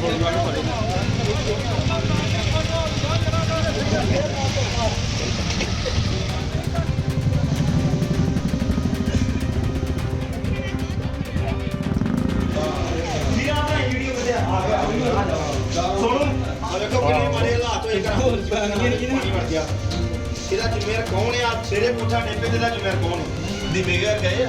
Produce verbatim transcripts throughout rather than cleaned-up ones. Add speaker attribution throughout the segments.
Speaker 1: ਇਹਦਾ ਜ਼ਿੰਮੇਵਾਰ ਕੌਣ ਆ? ਤੇਰੇ ਕੋਠਾ ਡੇਪੇ ਤੇ ਦਾ ਜ਼ਿੰਮੇਵਾਰ ਕੌਣ ਹੈ? ਦੀ ਬੇਗਰ ਗਏ ਆ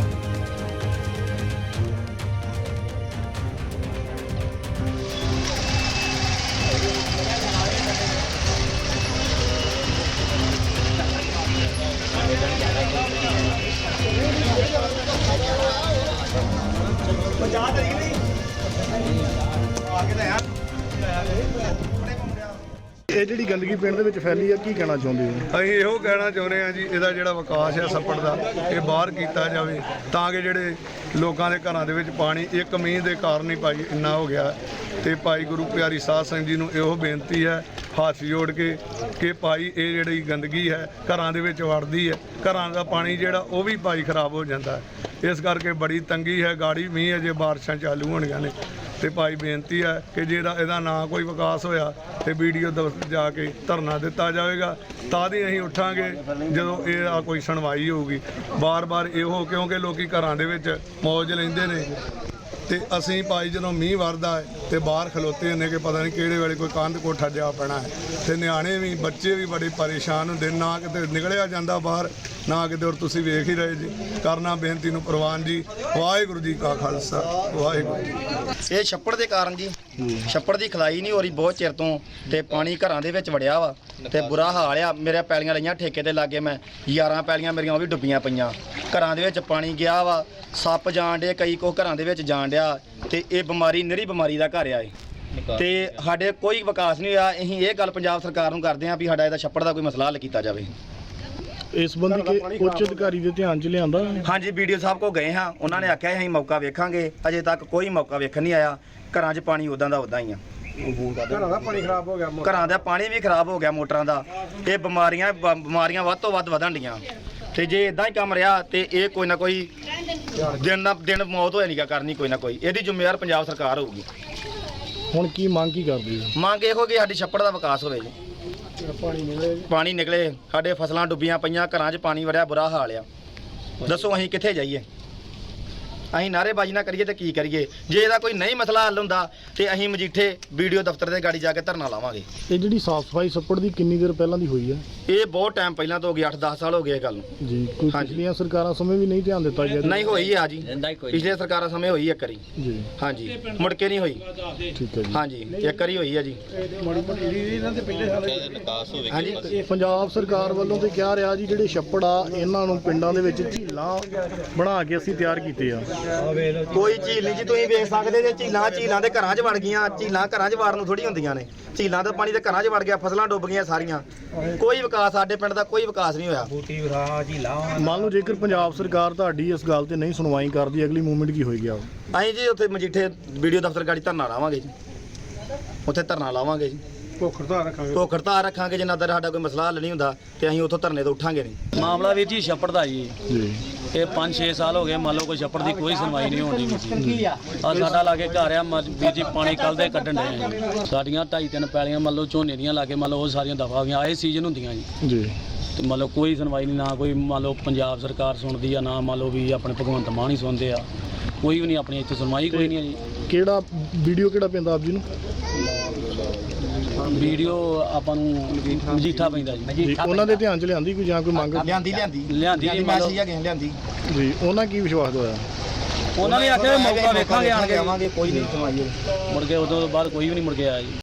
Speaker 1: ਪੰਜਾਹ ਤਰੀਕ ਨਹੀਂ ਆ ਕੇ ਤਾਂ
Speaker 2: ਇਹ ਜਿਹੜੀ ਗੰਦਗੀ ਪਿੰਡ ਦੇ ਵਿੱਚ ਫੈਲੀ ਆ, ਕੀ ਕਹਿਣਾ ਚਾਹੁੰਦੇ ਹੋ?
Speaker 3: ਅਸੀਂ ਇਹੋ ਕਹਿਣਾ ਚਾਹੁੰਦੇ ਹਾਂ ਜੀ, ਇਹਦਾ ਜਿਹੜਾ ਵਿਕਾਸ ਹੈ ਛੱਪੜ ਦਾ, ਇਹ ਬਾਹਰ ਕੀਤਾ ਜਾਵੇ ਤਾਂ ਕਿ ਜਿਹੜੇ ਲੋਕਾਂ ਦੇ ਘਰਾਂ ਦੇ ਵਿੱਚ ਪਾਣੀ ਇੱਕ ਮੀਂਹ ਦੇ ਕਾਰਨ ਹੀ ਭਾਈ ਇੰਨਾ ਹੋ ਗਿਆ। ਤੇ ਭਾਈ ਗੁਰੂ ਪਿਆਰੀ ਸਾਧ ਸੰਗਤ ਜੀ ਨੂੰ ਇਹੋ ਬੇਨਤੀ ਹੈ ਹੱਥ ਜੋੜ ਕੇ ਕਿ ਭਾਈ ਇਹ ਜਿਹੜੀ ਗੰਦਗੀ ਹੈ ਘਰਾਂ ਦੇ ਵਿੱਚ ਵੜਦੀ ਹੈ, ਘਰਾਂ ਦਾ ਪਾਣੀ ਜਿਹੜਾ ਉਹ ਵੀ ਭਾਈ ਖਰਾਬ ਹੋ ਜਾਂਦਾ ਹੈ। ਇਸ ਕਰਕੇ ਬੜੀ ਤੰਗੀ ਹੈ, ਗਾੜੀ ਮੀਂਹ ਅਜੇ ਬਾਰਿਸ਼ਾਂ ਚਾਲੂ ਹੋਣੀਆਂ ਨੇ। ਤੇ ਭਾਈ ਬੇਨਤੀ ਹੈ ਕਿ ਜਿਹੜਾ ਇਹਦਾ ਨਾ ਕੋਈ ਵਿਕਾਸ ਹੋਇਆ ਤੇ ਵੀਡੀਓ ਦਫ਼ਤਰ ਜਾ ਕੇ ਧਰਨਾ ਦਿੱਤਾ ਜਾਵੇਗਾ, ਤਾਂ ਹੀ ਅਸੀਂ ਉੱਠਾਂਗੇ ਜਦੋਂ ਇਹ ਆ ਕੋਈ ਸੁਣਵਾਈ ਹੋਊਗੀ। ਬਾਰ-ਬਾਰ ਇਹੋ ਕਿਉਂਕਿ ਲੋਕੀ ਘਰਾਂ ਦੇ ਵਿੱਚ ਮੌਜ ਲੈਂਦੇ ਨੇ ਤੇ ਅਸੀਂ ਭਾਈ ਜਦੋਂ ਮੀਂਹ ਵਰਦਾ ਹੈ ਤੇ ਬਾਹਰ ਖਲੋਤੇ ਹੁੰਦੇ ਕਿ ਪਤਾ ਨਹੀਂ ਕਿਹੜੇ ਵੇਲੇ ਕੋਈ ਕੰਧ ਕੋਠਾ ਜਾ ਪੈਣਾ ਹੈ ਤੇ ਨਿਆਣੇ ਵੀ ਬੱਚੇ ਵੀ ਬੜੇ ਪਰੇਸ਼ਾਨ ਹੁੰਦੇ, ਨਾ ਕਿਤੇ ਨਿਕਲਿਆ ਜਾਂਦਾ ਬਾਹਰ ਨਾ ਕਿਤੇ। ਔਰ ਤੁਸੀਂ ਵੇਖ ਹੀ ਰਹੇ ਜੀ, ਕਰਨਾ ਬੇਨਤੀ ਨੂੰ ਪ੍ਰਵਾਨ ਜੀ। ਵਾਹਿਗੁਰੂ ਜੀ ਕਾ ਖਾਲਸਾ ਵਾਹਿਗੁਰੂ ਜੀ।
Speaker 1: ਇਹ ਛੱਪੜ ਦੇ ਕਾਰਨ ਜੀ, ਛੱਪੜ ਦੀ ਖਲਾਈ ਨਹੀਂ ਹੋ ਰਹੀ ਬਹੁਤ ਚਿਰ ਤੋਂ ਤੇ ਪਾਣੀ ਘਰਾਂ ਦੇ ਵਿੱਚ ਵੜਿਆ ਵਾ ਤੇ ਬੁਰਾ ਹਾਲ ਆ। ਮੇਰੇ ਪੈਲੀਆਂ ਲਈਆਂ ਠੇਕੇ ਤੇ ਲਾਗੇ, ਮੈਂ ਯਾਰਾਂ ਪੈਲੀਆਂ ਮੇਰੀਆਂ ਉਹ ਵੀ ਡੁੱਬੀਆਂ ਪਈਆਂ। ਘਰਾਂ ਦੇ ਵਿੱਚ ਪਾਣੀ ਗਿਆ ਵਾ, ਸੱਪ ਜਾਣ ਡੇ, ਕਈ ਕੋ ਘਰਾਂ ਦੇ ਵਿੱਚ ਜਾਣ ਡਿਆ ਤੇ ਇਹ ਬਿਮਾਰੀ ਨਿਹਰੀ ਬਿਮਾਰੀ ਦਾ ਘਰ ਆ ਇਹ। ਤੇ ਸਾਡੇ ਕੋਈ ਵਿਕਾਸ ਨਹੀਂ ਹੋਇਆ। ਅਸੀਂ ਇਹ ਗੱਲ ਪੰਜਾਬ ਸਰਕਾਰ ਨੂੰ ਕਰਦੇ ਹਾਂ ਵੀ ਸਾਡਾ ਇਹਦਾ ਛੱਪੜ ਦਾ ਕੋਈ ਮਸਲਾ ਹੱਲ ਕੀਤਾ ਜਾਵੇ।
Speaker 2: ਇਸ ਸੰਬੰਧੀ ਕਿ ਉੱਚ ਅਧਿਕਾਰੀ ਦੇ ਧਿਆਨ 'ਚ ਲਿਆਂਦਾ?
Speaker 1: ਹਾਂਜੀ, ਵੀਡੀਓ ਸਾਹਿਬ ਕੋ ਗਏ ਹਾਂ, ਉਹਨਾਂ ਨੇ ਆਖਿਆ ਅਸੀਂ ਮੌਕਾ ਵੇਖਾਂਗੇ। ਅਜੇ ਤੱਕ ਕੋਈ ਮੌਕਾ ਵੇਖਣ ਨਹੀਂ ਆਇਆ। ਘਰਾਂ 'ਚ ਪਾਣੀ ਉਦਾਂ ਦਾ ਉਦਾਂ ਹੀ ਆ।
Speaker 3: ਘਰਾਂ ਦਾ ਪਾਣੀ ਖਰਾਬ ਹੋ ਗਿਆ,
Speaker 1: ਘਰਾਂ ਦਾ ਪਾਣੀ ਵੀ ਖਰਾਬ ਹੋ ਗਿਆ, ਮੋਟਰਾਂ ਦਾ। ਇਹ ਬਿਮਾਰੀਆਂ ਬਿਮਾਰੀਆਂ ਵੱਧ ਤੋਂ ਵੱਧ ਵਧਣ ਡੀਆਂ ਤੇ ਜੇ ਇਦਾਂ ਹੀ ਕੰਮ ਰਿਹਾ ਤੇ ਇਹ ਕੋਈ ਨਾ ਕੋਈ ਦਿਨ ਨਾ ਦਿਨ ਮੌਤ ਹੋਇਆ ਨਹੀਂ ਕਰਨੀ ਕੋਈ ਨਾ ਕੋਈ। ਇਹਦੀ ਜ਼ਿੰਮੇਵਾਰ ਪੰਜਾਬ ਸਰਕਾਰ ਹੋਊਗੀ।
Speaker 2: ਹੁਣ ਕੀ ਮੰਗ ਕੀ ਕਰਦੇ ਹੋ?
Speaker 1: ਮੰਗ ਇਹੋ ਕਿ ਸਾਡੀ ਛੱਪੜ ਦਾ ਵਿਕਾਸ ਹੋਵੇ ਜੀ,
Speaker 2: ਪਾਣੀ ਨਿਕਲੇ
Speaker 1: ਪਾਣੀ ਨਿਕਲੇ। ਸਾਡੇ ਫਸਲਾਂ ਡੁੱਬੀਆਂ ਪਈਆਂ, ਘਰਾਂ 'ਚ ਪਾਣੀ ਵੜਿਆ, ਬੁਰਾ ਹਾਲ ਆ। ਦੱਸੋ ਅਸੀਂ ਕਿੱਥੇ ਜਾਈਏ? ਅਸੀਂ ਨਾਅਰੇਬਾਜ਼ੀ ਨਾ ਕਰੀਏ ਤੇ ਕੀ ਕਰੀਏ? ਜੇ ਇਹਦਾ ਕੋਈ ਨਹੀਂ ਮਸਲਾ ਹੱਲ ਹੁੰਦਾ ਤੇ ਅਸੀਂ ਮਜੀਠੇ ਵੀਡੀਓ ਦਫ਼ਤਰ ਦੇ ਗਾੜੀ ਜਾ ਕੇ ਧਰਨਾ ਲਾਵਾਂਗੇ।
Speaker 2: ਇਹ ਜਿਹੜੀ ਸਾਫ਼ ਸਫਾਈ ਛੱਪੜ ਦੀ ਕਿੰਨੀ ਦੇਰ ਪਹਿਲਾਂ ਦੀ ਹੋਈ ਹੈ?
Speaker 1: ਇਹ ਬਹੁਤ ਟਾਈਮ ਪਹਿਲਾਂ ਤੋਂ ਹੋ ਗਿਆ, ਅੱਠ ਦਸ ਸਾਲ ਹੋ ਗਏ ਇਹ ਗੱਲ ਨੂੰ ਜੀ।
Speaker 2: ਕੋਈ ਪਿਛਲੀਆਂ ਸਰਕਾਰਾਂ ਸਮੇਂ ਵੀ ਨਹੀਂ ਧਿਆਨ ਦਿੱਤਾ ਗਿਆ?
Speaker 1: ਨਹੀਂ ਹੋਈ ਆ ਜੀ, ਪਿਛਲੇ ਸਰਕਾਰਾਂ ਸਮੇਂ ਹੋਈ ਇੱਕ ਵਾਰੀ ਜੀ। ਹਾਂਜੀ, ਮੁੜ ਕੇ ਨਹੀਂ ਹੋਈ।
Speaker 2: ਠੀਕ ਹੈ ਜੀ।
Speaker 1: ਹਾਂਜੀ, ਇੱਕ ਵਾਰੀ ਹੋਈ ਆ ਜੀ।
Speaker 2: ਹਾਂਜੀ, ਪੰਜਾਬ ਸਰਕਾਰ ਵੱਲੋਂ ਤੇ ਕਿਹਾ ਰਿਹਾ ਜੀ ਜਿਹੜੇ ਛੱਪੜ ਆ ਇਹਨਾਂ ਨੂੰ ਪਿੰਡਾਂ ਦੇ ਵਿੱਚ ਝੀਲਾਂ ਬਣਾ ਕੇ ਅਸੀਂ ਤਿਆਰ ਕੀਤੇ ਆ।
Speaker 1: ਕੋਈ ਝੀਲ ਨਹੀਂ ਜੀ, ਤੁਸੀਂ ਵੇਖ ਸਕਦੇ ਜੇ ਝੀਲਾਂ ਝੀਲਾਂ ਦੇ ਘਰਾਂ 'ਚ ਵੜ ਗਈਆਂ। ਝੀਲਾਂ ਘਰਾਂ 'ਚ ਵੜਨ ਨੂੰ ਥੋੜੀ ਹੁੰਦੀਆਂ ਨੇ। ਝੀਲਾਂ ਦਾ ਪਾਣੀ ਤੇ ਘਰਾਂ 'ਚ ਵੜ ਗਿਆ, ਫਸਲਾਂ ਡੁੱਬ ਗਈਆਂ ਸਾਰੀਆਂ। ਕੋਈ ਵਿਕਾਸ ਸਾਡੇ ਪਿੰਡ ਦਾ ਕੋਈ ਵਿਕਾਸ ਨਹੀਂ ਹੋਇਆ।
Speaker 2: ਮੰਨ ਲਓ ਜੇਕਰ ਪੰਜਾਬ ਸਰਕਾਰ ਤੁਹਾਡੀ ਇਸ ਗੱਲ ਤੇ ਨਹੀਂ ਸੁਣਵਾਈ ਕਰਦੀ, ਅਗਲੀ ਮੂਵਮੈਂਟ ਕੀ ਹੋਏਗੀ?
Speaker 1: ਅਸੀਂ ਜੀ ਉੱਥੇ ਮਜੀਠੇ ਵੀਡੀਓ ਦਫ਼ਤਰ ਗਾੜੀ ਧਰਨਾ ਲਾਵਾਂਗੇ ਜੀ, ਉੱਥੇ ਧਰਨਾ ਲਾਵਾਂਗੇ ਜੀ।
Speaker 3: ਭੁੱਖ ਹੜਤਾਲ ਰੱਖਾਂਗੇ
Speaker 1: ਭੁੱਖ ਹੜਤਾਲ ਰੱਖਾਂਗੇ ਜਿੰਨਾ ਦਰ ਸਾਡਾ ਕੋਈ ਮਸਲਾ ਹੱਲ ਨਹੀਂ ਹੁੰਦਾ ਤੇ ਅਸੀਂ ਉੱਥੋਂ ਧਰਨੇ ਤੋਂ ਉੱਠਾਂਗੇ ਨਹੀਂ।
Speaker 4: ਮਾਮਲਾ ਵੀਰ ਜੀ ਛੱਪੜ ਦਾ ਜੀ
Speaker 2: ਜੀ
Speaker 4: ਇਹ ਪੰਜ ਛੇ ਸਾਲ ਹੋ ਗਏ, ਮੰਨ ਲਓ ਕੋਈ ਛੱਪੜ ਦੀ ਕੋਈ ਸੁਣਵਾਈ ਨਹੀਂ ਹੋਣੀ ਵੀਰ ਜੀ। ਆ ਸਾਡਾ ਲਾਗੇ ਘਰ ਆ ਵੀਰ ਜੀ, ਪਾਣੀ ਕੱਲ ਦੇ ਕੱਢਣ ਡਏ ਸਾਡੀਆਂ ਢਾਈ ਤਿੰਨ ਪੈਲੀਆਂ ਮੰਨ ਲਓ ਝੋਨੇ ਦੀਆਂ ਲਾਗੇ, ਮੰਨ ਲਓ ਉਹ ਸਾਰੀਆਂ ਦਫਾ ਹੋ ਗਈਆਂ। ਆਏ ਸੀਜ਼ਨ ਹੁੰਦੀਆਂ ਜੀ
Speaker 2: ਜੀ
Speaker 4: ਤੇ ਮੰਨ ਲਓ ਕੋਈ ਸੁਣਵਾਈ ਨਹੀਂ, ਨਾ ਕੋਈ ਮੰਨ ਲਓ ਪੰਜਾਬ ਸਰਕਾਰ ਸੁਣਦੀ ਆ, ਨਾ ਮੰਨ ਲਓ ਵੀ ਆਪਣੇ ਭਗਵੰਤ ਮਾਨ ਹੀ ਸੁਣਦੇ ਆ। ਕੋਈ ਵੀ ਨਹੀਂ ਆਪਣੀ ਇੱਥੇ ਸੁਣਵਾਈ ਕੋਈ ਨਹੀਂ ਆ ਜੀ।
Speaker 2: ਕਿਹੜਾ ਵੀਡੀਓ ਕਿਹੜਾ ਪੈਂਦਾ ਆਪ ਜੀ ਨੂੰ?
Speaker 4: ਵੀਡੀਓ ਆਪਾਂ ਨੂੰ ਮਜੀਠਾ ਪੈਂਦਾ ਜੀ।
Speaker 2: ਉਹਨਾਂ ਦੇ ਧਿਆਨ 'ਚ ਲਿਆਂਦੀ ਕੋਈ ਜਾਂ ਕੋਈ ਮੰਗ?
Speaker 1: ਲਿਆਂਦੀ ਲਿਆਂਦੀ
Speaker 4: ਲਿਆਂਦੀ ਜੀ, ਮੰਨ ਲਓ
Speaker 1: ਲਿਆਂਦੀ
Speaker 2: ਜੀ। ਉਹਨਾਂ ਕੀ ਵਿਸ਼ਵਾਸ ਹੋਇਆ?
Speaker 4: ਉਹਨਾਂ ਨੇ ਆਖਿਆ ਮੌਕਾ ਵੇਖਾਂਗੇ ਆਣ ਕੇ,
Speaker 1: ਆਵਾਂਗੇ, ਕੋਈ ਨਹੀਂ ਸੁਣਵਾਈ
Speaker 4: ਮੁੜ ਕੇ ਉਦੋਂ ਬਾਅਦ ਕੋਈ ਵੀ ਨਹੀਂ ਮੁੜ ਕੇ ਆਇਆ ਜੀ।